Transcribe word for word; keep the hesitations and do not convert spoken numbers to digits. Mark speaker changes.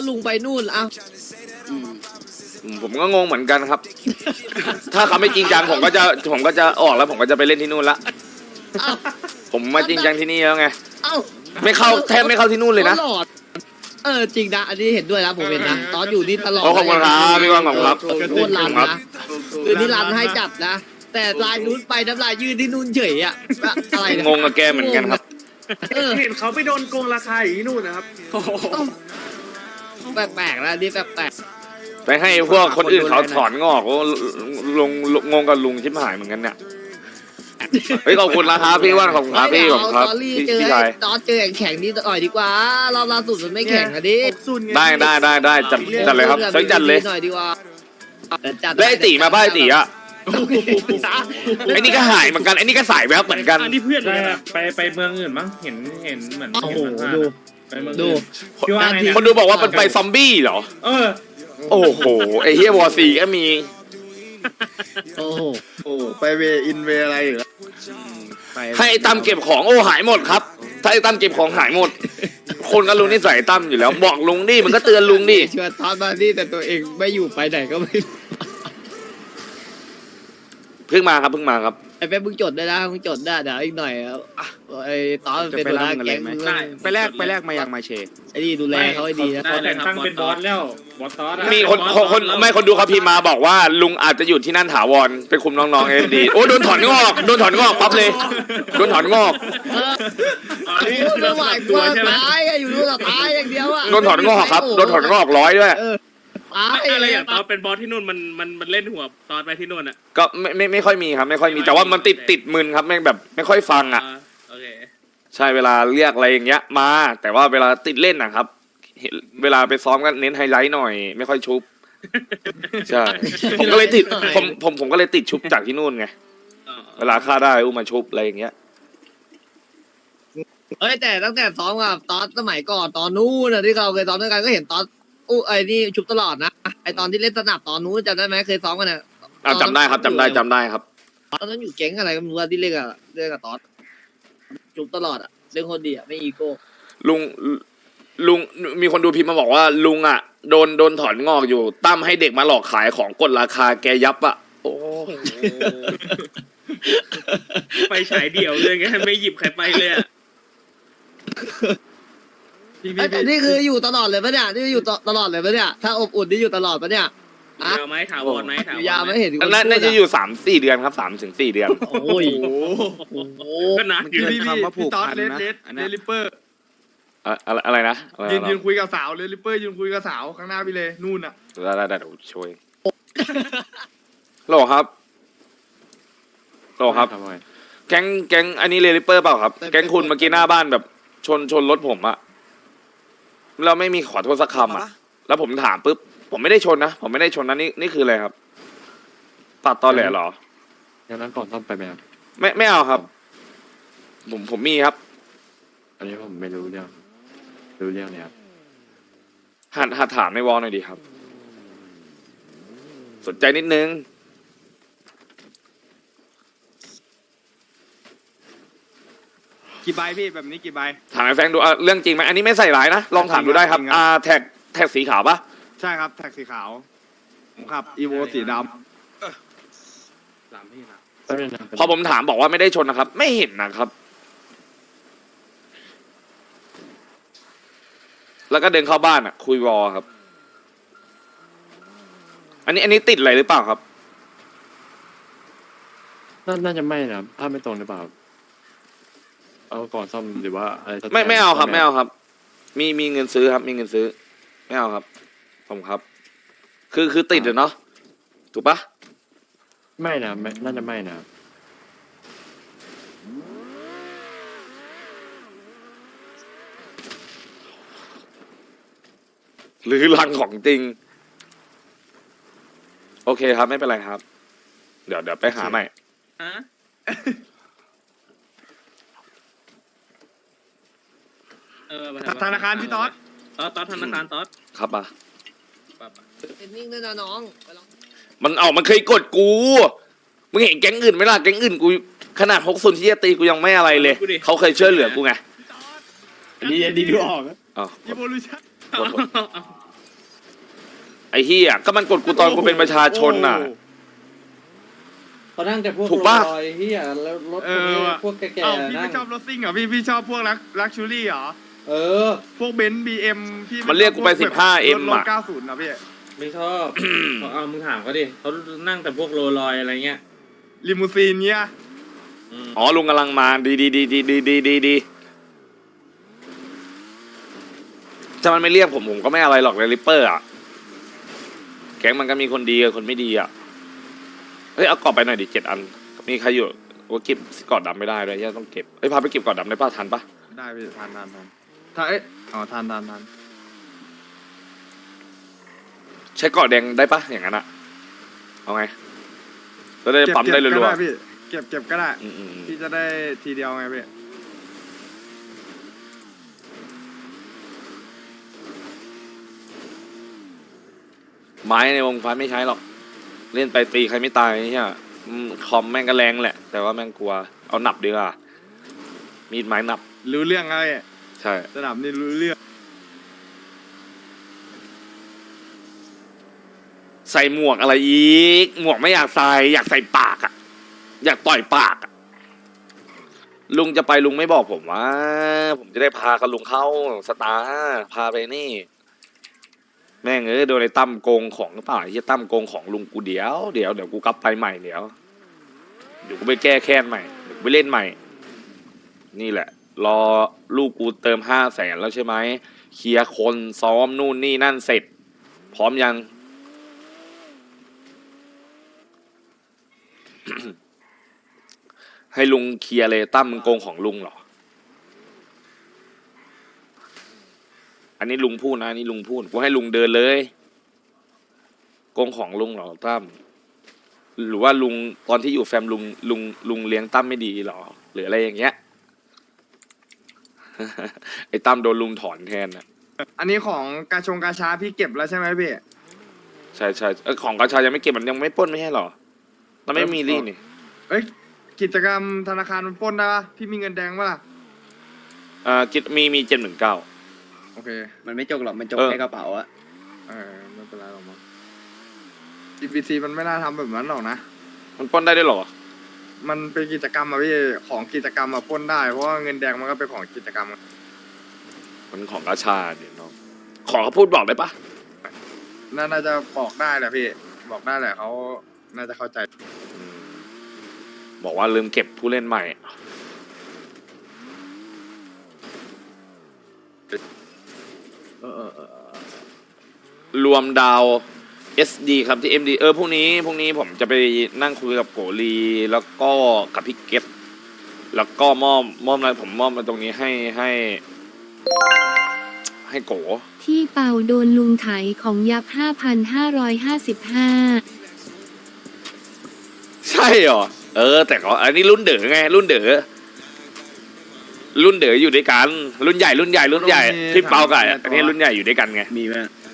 Speaker 1: ลุงไปนู่นเอ้า
Speaker 2: ผมก็งงเหมือนกันครับ ถ้าเขาไม่จริงจังผมก็จะผมก็จะออกแล้วผมก็จะไปเล่นที่นู่นละ
Speaker 1: เอ้า
Speaker 2: ผมมาจริงจังที่นี่แล้วไง
Speaker 1: เอ้า
Speaker 2: ไม่เข้าแทบไม่เข้าที่นู่นเลยนะ
Speaker 1: ตลอดเออจริงนะอันนี้เห็นด้วยนะผมเห็นนะตอนอยู่นี่ตลอด
Speaker 2: ขอบคุณครับพี่ว่างขอบคุณครับ
Speaker 1: โคตรรันนะคือนี่รันให้จัดนะแต่ลายนู้นไปน้ำลายยืดที่นู่นเฉยอะอะไรเนี่ย
Speaker 2: งงกับแกเหมือนกันครับ
Speaker 1: เออ
Speaker 3: เห็นเขาไปโดนโกงราคาอย่างนี้นู่นนะครับ
Speaker 1: แปลกๆนะนี่แปลก
Speaker 2: ไปให้พวกคนอื่นเขาถอนงอกลงงงกับลุงชิบหายเหมือนกันเนี่ยเฮ้ยขอบคุณนะครับพี่ว่านขอบคุณครับพี่ผมครับ
Speaker 1: ตอรี่
Speaker 2: พี่
Speaker 1: เจอ
Speaker 2: พี่
Speaker 1: ไอ้
Speaker 2: ชาย
Speaker 1: ตอนเจอแข่งนี่ต่อยดีกว่ารอบล่าสุดมันไม่แข่งอะดิ
Speaker 2: ได้ได้ได้ได้จัดจัดเลยครับจัดจัดเลย
Speaker 1: หน่อยดีกว่าจัด
Speaker 2: แล้วไอ้ตีมาป้าไอ้ตีอ่ะไอ้นี่ก็หายเหมือนกันไอ้นี่ก็สายแวบเหมือนกัน
Speaker 3: อันนี้เพื่อน
Speaker 4: ใช่
Speaker 3: เลย
Speaker 4: ค
Speaker 3: นะ
Speaker 4: รับไปไปเมืองอื่นมั้งเห็นเห็นเหมือน
Speaker 1: โอ้โห
Speaker 4: เห็น
Speaker 1: ดู
Speaker 4: ไปเมือง
Speaker 1: ดู
Speaker 4: อื่นพี่ว่าไง
Speaker 2: คน
Speaker 4: นะ
Speaker 2: ดูบอกว่ามันไปซอมบี้เหรอ
Speaker 4: เออ
Speaker 2: โอ้โหไอ้เฮียวอร์ซีก็มี
Speaker 1: โอ้โห
Speaker 5: โอ้ไปเวอินเวอะไรเหรอ
Speaker 2: ให้ไอ้ตั้มเก็บของโอ้หายหมดครับ ถ้าไอ้ตั้มเก็บของหายหมด คนก็รู้นิสัยตั้มอยู่แล้วบอกลุงดิมันก็เตือนลุงดิ
Speaker 1: ชวนทอนมานี่แต่ตัวเองไม่อยู่ไปไหนก็ไม่รู้
Speaker 2: เพิ่งมาครับเพิ่งมาครับ
Speaker 1: ไอ้เป๊ปมึงจดได้นะมึงจดได้เดี๋ยวอีกหน่อยไอ้ตอนเป็นหัวหน้าแก๊งมึง
Speaker 5: ไปแลกไปแลกมายังมาเช
Speaker 1: ไอ้นี่ดูแลเขาให้ดีนะ
Speaker 4: เขาแต่งตั้งเป็นบอสแล้วบอสตอสอะ
Speaker 2: มีคนคนคนไม่คนดูเขาพิมพ์มาบอกว่าลุงอาจจะอยู่ที่นั่นถาวรไปคุมน้องๆเอ็นดีโอ้โดนถอนงอกโดนถอนงอกปั๊บเลยโดนถอนงอก
Speaker 1: ไม่ไหวกลัวตายอยู่นู่นตายอย่างเดียวอ่ะ
Speaker 2: โดนถอนงอกครับโดนถอนงอกร้อยด้วย
Speaker 1: ตาย
Speaker 3: อะไรอย่างตอนเป็นบอสที่นู่นมันมันมันเล่นหัวตอนไปที่นู่นอ่ะ
Speaker 2: ก็ไม่ไม่ไม่ค่อยมีครับไม่ค่อยมีแต่ว่ามันติดติดมึนครับแม่งแบบไม่ค่อยฟังอ่ะ
Speaker 3: โอเค
Speaker 2: ใช่เวลาเรียกอะไรอย่างเงี้ยมา แต่ว่าเวลาติดเล่นนะครับเห็นเวลาไปซ้อมก็เน้นไฮไลท์หน่อย ไม่ค่อยชุบใช่ผมก็เลยติดผมผมผมก็เลยติดชุบจากที่นู่นไงเวลาฆ่าได้อุ้มมาชุบอะไรอย่างเงี้ย
Speaker 1: เอ้ยแต่ตั้งแต่ซ้อมกับตอนสมัยก่อนตอนนู้นที่เราเคยซ้อมด้วยกันก็เห็นตอนอู้ไอ้นี่ชุบตลอดนะไอ้ตอนที่เล่นสนับตอนนู้นจำได้ไหมเคยซ้อมกันเนี่ย
Speaker 2: อ่าจำได้ครับจำได้จำได้ครับ
Speaker 1: ตอนนั้นอยู่แก๊งอะไรก็ไม่รู้ที่เล่นกับเล่นกับตอนชุบตลอดอ่ะเล่นคนดีอ่ะไม่อีโก้
Speaker 2: ลุงลุงมีคนดูพิมพ์มาบอกว่าลุงอ่ะโดนโดนถอนงอกอยู่ตั้มให้เด็กมาหลอกขายของกดราคาแกยับอ่ะโอ้
Speaker 3: ไปฉายเดี่ยวเลยไงไม่หยิบใครไปเลยอ่ะ
Speaker 1: แต่นี่คืออยู่ตลอดเลยปะเนี่ยนี่อยู่ตลอดเลยปะเนี่ยถ้าอบอุ่นนี่อยู่ตลอดปะเนี่ยอะ
Speaker 3: ยาวไหมถาวรไหมถาวร
Speaker 1: ยาวไม่เห็น
Speaker 2: น่าน่าจะอยู่สามสี่เดือนครับสามถึงสี่เดือน
Speaker 1: โอ้ย
Speaker 3: ก็นานอยู่
Speaker 5: พี่คำว่าผูกพันนะอัน
Speaker 6: เล
Speaker 5: นี้
Speaker 6: ลิปเปอร์
Speaker 2: อะอะไรอะไรนะอะไร
Speaker 6: ยืน
Speaker 2: นะ
Speaker 6: ยืนคุยกับสาวเลลิปเปอร์ยืนคุยกับสาวข้างหน้าพี่เลยนู่นอ่ะ
Speaker 2: ได้ได้ได้เดี๋ยวช่วยโหลครับโหลครับ แก๊งแก๊งอันนี้เรลิเปอร์เปล่าครับแก๊งคุณเมื่อกี้หน้าบ้านแบบชนชนรถผมอะเราไม่มีขอโทษสักคำอะแล้วผมถามปุ๊บผมไม่ได้ชนนะผมไม่ได้ชนนะนี่นี่คืออะไรครับตัดตอนแหลเหรอ
Speaker 7: อย่างนั้นก่อนต้องไปไหมครับ
Speaker 2: ไม่ไม่เอาครับ ผมผมมีครับ
Speaker 7: อันนี้ผมไม่รู้เรื่องรู้เรื่องเนี่ยครับ
Speaker 2: หัดหัดถามในวอลหน่อยดีครับ สนใจนิดนึง
Speaker 5: กี่ใบพี่แบบนี้กี่ใบ
Speaker 2: ถามไอ้แฟงดูอ่ะเรื่องจริงไหมอันนี้ไม่ใส่ร้ายนะลองถามดูได้ครับ
Speaker 5: จริงครับ
Speaker 2: อ่าแท็กแท็กสีขาวปะ
Speaker 5: ใช่ครับแท็กสีขาวผมขับอีโวสีด
Speaker 3: สามพี่นะ
Speaker 7: แป๊บนึงนะ
Speaker 2: พอผมถามบอกว่าไม่ได้ชนนะครับ ไม่เห็นนะครับ แล้วก็เดินเข้าบ้านอ่ะ คุยวอลครับ อันนี้อันนี้ติดอะไรหรือเปล่าครับ
Speaker 7: น่าน่าจะไม่นะครับถ้าไม่ตรงหรือเปล่าครับเอาก่อนซ่อมหรือว่าอะไรสัก
Speaker 2: ไม่
Speaker 7: ย่ง
Speaker 2: ไม่เอาครับ
Speaker 7: ซ่
Speaker 2: ไม่เอาครับ มีมีเงินซื้อครับ มีเงินซื้อ ไม่เอาครับ ผมครับ คือคือติดอะเนาะถูกปะ
Speaker 7: ไม่นะไม่น่าจะไม่นะครับ
Speaker 2: หรือลังของจริง โอเคครับ ไม่เป็นไรครับ เดี๋ยวเดี๋ยวไปหาใหม่
Speaker 3: ฮะเออ
Speaker 6: ธนาคารพี่ต๊อด
Speaker 3: ต๊อดต๊อดธนาคารต๊อด
Speaker 2: ครับอ่ะ
Speaker 1: เป็นนิ่งด้วยนะน้องไปลอง
Speaker 2: มันเอามันเคยกดกู มึงเห็นแก๊งอื่นไหมล่ะ แก๊งอื่นกูขนาดหกศูนย์ที่จะตีกูยังไม่อะไรเลย เขาเคยช่วยเหลือกูไง
Speaker 5: ำดีดีดูออก
Speaker 2: อ๋อ
Speaker 6: อีโวลูชั่น
Speaker 2: กดกดอ้เหี้ยก็มันกดกูตอนกูเป็นประชาชนน่ะ
Speaker 8: เขานั่งแต่พวก
Speaker 2: ถูกปะ
Speaker 8: ลอยเฮียแล้วรถ
Speaker 6: เอ
Speaker 8: พวก
Speaker 6: อ
Speaker 8: นี้
Speaker 6: ว่ะ
Speaker 8: พวกแก่
Speaker 6: เอ้า
Speaker 8: ๆ
Speaker 6: พี่
Speaker 8: นั่
Speaker 6: ไม่
Speaker 8: ง
Speaker 6: ชอบรถซิ่งเหรอพี่พี่ชอบพวกลักลักชูรี่เหรอ
Speaker 8: เออ
Speaker 6: พวกเบนซ์บีเอ็มพี่
Speaker 2: มันเรียกกูไป
Speaker 6: ชอบพว
Speaker 2: สิบห้า เอ็ม
Speaker 6: รถ
Speaker 2: อะ
Speaker 6: เก้าศูนย์นะพี่
Speaker 4: ไม่ชอบ เขาเอามึงถามเขาดิเขานั่งแต่พวกโรลลอยอะไรเงี้ย
Speaker 6: ลิมูซีนเนี้ย
Speaker 2: อ๋อลุงกำลังมาดีดีดีดีดีดีดีดีถ้ามันไม่เรียกผมผมก็ไม่อะไรหรอกเลยริปเปอร์อ่ะแก๊งมันก็มีคนดีกับคนไม่ดีอ่ะเฮ้ยเอากรอบไปหน่อยดิเจ็ดอันมีใครอยู่ว่าเก็บกอดดำไม่ได้ด้วยย่าต้องเก็บเอ้ยพาไปเก็บกอดดำได้ป่ะทันป่ะ
Speaker 6: ได้พี่ทานทานทานถ้าเอ๊ะอ๋อทานทานทาน
Speaker 2: ใช้กอดแดงได้ป่ะอย่างนั้นอ่ะเอาไงจะได้
Speaker 6: เก็บ
Speaker 2: ปั๊มได้
Speaker 6: เก็บก็
Speaker 2: รัว
Speaker 6: ได้พี่เก็บเก็บก็ได้
Speaker 2: ๆอืมอืมอืม
Speaker 6: พี่จะได้ทีเดียวไงพี่
Speaker 2: ไม้ในวงไฟไม่ใช้หรอกเล่นไปตีใครไม่ตายเนี่ยอืมคอมแม่งก็แรงแหละ แต่ว่าแม่งกลัวเอาหนับดีกว่ามีดไม้หนับ
Speaker 6: รู้เรื่องอะไร
Speaker 2: ใช่
Speaker 6: ระดับนี้รู้เรื่อง
Speaker 2: ใส่หมวกอะไรอีก หมวกไม่อยากใส่อยากใส่ปากอะอยากต่อยปากอะลุงจะไปลุงไม่บอกผมว่า ผมจะได้พากับลุงเข้าสตาร์พาไปนี่ แม่งเอ้ยโดนไอ้ตั้มโกงของหรือเปล่าไอ้เหี้ยตั้มโกงของลุงกูเดี๋ยวเดี๋ยวเดี๋ยวกูกลับไปใหม่เดี๋ยวเดี๋ยวกูไปแก้แค้นใหม่เดี๋ยวกูไปเล่นใหม่ นี่แหละ รอลูกกูเติมห้าแสนแล้วใช่ไหมเคลียร์คนซ้อมนู่นนี่นั่นเสร็จ พร้อมยัง ให้ลุงเคลียร์เลยตั้มมึงโกงของลุงเหรอ อันนี้ลุงพูดนะอันนี้ลุงพูดกูให้ลุงเดินเลยโกงของลุงเหรอตั้มหรือว่าลุงตอนที่อยู่แฟมลุงลุงลุงเลี้ยงตั้มไม่ดีเหรอหรืออะไรอย่างเงี้ย ไอ้ตั้มโดนลุงถอนแทนนะ
Speaker 6: อันนี้ของกาชงกาชาพี่เก็บแล้วใช่ไหมพี่
Speaker 2: ใช่ใช่เอ้ยของกระชายังไม่เก็บมันยังไม่ปล้นไม่ใช่เหรอมันไม่มีลี่นี่
Speaker 6: เอ้ยกิจกรรมธนาคารมันปล้นได้ปะพี่มีเงินแดงปะล่ะ
Speaker 2: อ่ากิจมีมีเจ็ดหนึ่งเก้า
Speaker 6: โอเค
Speaker 9: มันไม่จกหรอก มันจก
Speaker 2: เออ
Speaker 9: ในกระเป๋าอะ
Speaker 6: เออไม่เป็นไรหรอกมั้ง อี พี ซี มันไม่น่าทำแบบนั้นหรอกนะ
Speaker 2: มันปล้นได้ด้วยเหรอ
Speaker 6: มันเป็นกิจกรรมอะพี่ของกิจกรรมอะปล้นได้เพราะว่าเงินแดงมันก็เป็นของกิจกรรมอะ
Speaker 2: มันของกระชาเนี่ยน้องขอเขาพูดบอกได้ปะ
Speaker 6: น่าน่าจะบอกได้แหละพี่ บอกได้แหละเขาน่าจะเข้าใจ
Speaker 2: อืมบอกว่าลืมเก็บผู้เล่นใหม่
Speaker 6: เออเออเออ
Speaker 2: รวมดาว เอส ดี ครับที่ เอ็ม ดี เออพรุ่งนี้พรุ่งนี้ผมจะไปนั่งคุยกับโกลีแล้วก็กับพี่เก็ตแล้วก็มอบมอบอะไรผมมอบมาตรงนี้ให้ให้ ให้โก
Speaker 10: ที่เป่าโดนลุงไถของยับ ห้าพันห้าร้อยห้าสิบห้า
Speaker 2: ใช่เหรอ เออ แต่เขาอันนี้รุ่นเด๋อไง รุ่นเด๋อรุ่นเด๋ออยู่ด้วยกัน รุ่นใหญ่รุ่นใหญ่รุ่นใหญ่พี่เปากับอันนี้รุ่นใหญ่อยู่ด้วยกันไง
Speaker 9: มีไหม